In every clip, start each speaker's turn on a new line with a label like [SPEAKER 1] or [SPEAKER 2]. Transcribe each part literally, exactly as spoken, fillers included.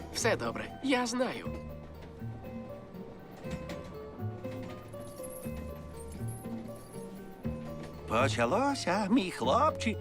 [SPEAKER 1] Все добре, я знаю.
[SPEAKER 2] Почалося, мій хлопчик.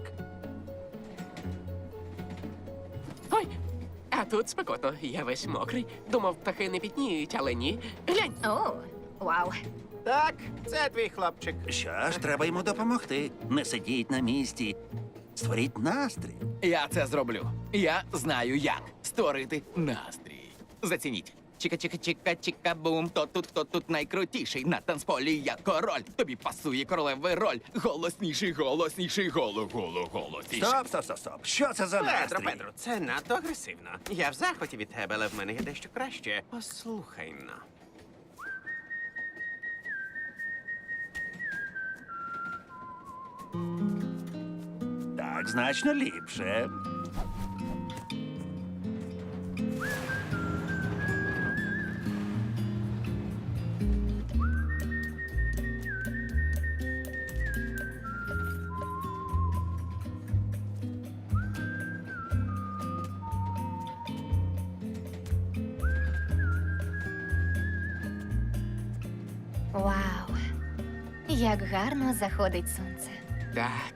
[SPEAKER 1] Ой, а тут спекотно, я весь мокрий. Думав, птахи не пітніють, але ні. Глянь,
[SPEAKER 3] О, вау.
[SPEAKER 4] Так, це твій хлопчик.
[SPEAKER 2] Що ж, треба йому допомогти. Не сидіть на місці. Створіть настрій.
[SPEAKER 5] Я це зроблю. Я знаю, як створити настрій. Зацініть. Чіка-чіка-чіка-чіка-бум. Хто тут, хто тут найкрутіший? На танцполі я король. Тобі пасує королевий роль. Голосніший, голосніший, голо, голо, голосніший.
[SPEAKER 2] Стоп, стоп, стоп, стоп. Що це за
[SPEAKER 4] Петро,
[SPEAKER 2] настрій?
[SPEAKER 4] Петро, це надто агресивно. Я в захваті від тебе, але в мене є дещо краще. Послухай на.
[SPEAKER 2] Так, значно ліпше.
[SPEAKER 3] Вау. Як гарно заходить сонце.
[SPEAKER 1] так.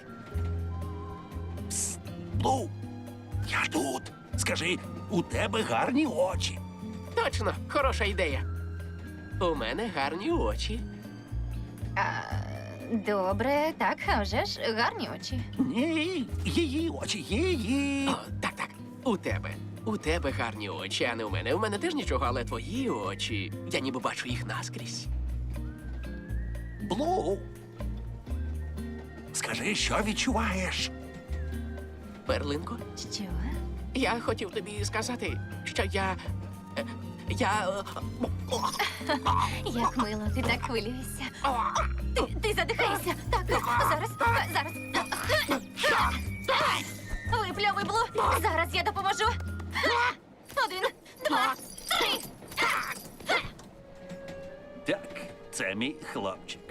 [SPEAKER 2] Блу, я тут. Скажи, у тебе гарні очі.
[SPEAKER 1] Точно, хороша ідея. У мене гарні очі.
[SPEAKER 3] А, добре, так, а вже ж гарні очі.
[SPEAKER 2] Ні, її очі, її.
[SPEAKER 1] О, так, так. У тебе. У тебе гарні очі, а не у мене. У мене теж нічого, але твої очі. Я ніби бачу їх наскрізь.
[SPEAKER 2] Блу. Скажи, що відчуваєш?
[SPEAKER 1] Перлинко,
[SPEAKER 3] Що?
[SPEAKER 1] я хотів тобі сказати, що я. е, Я. е,
[SPEAKER 3] Як мило, ти так хвилюєшся. Ти, ти задихаєшся. Так, зараз, зараз. Випльовуй, Блу. Зараз я допоможу. Один, два, три.
[SPEAKER 2] Так, це мій хлопчик.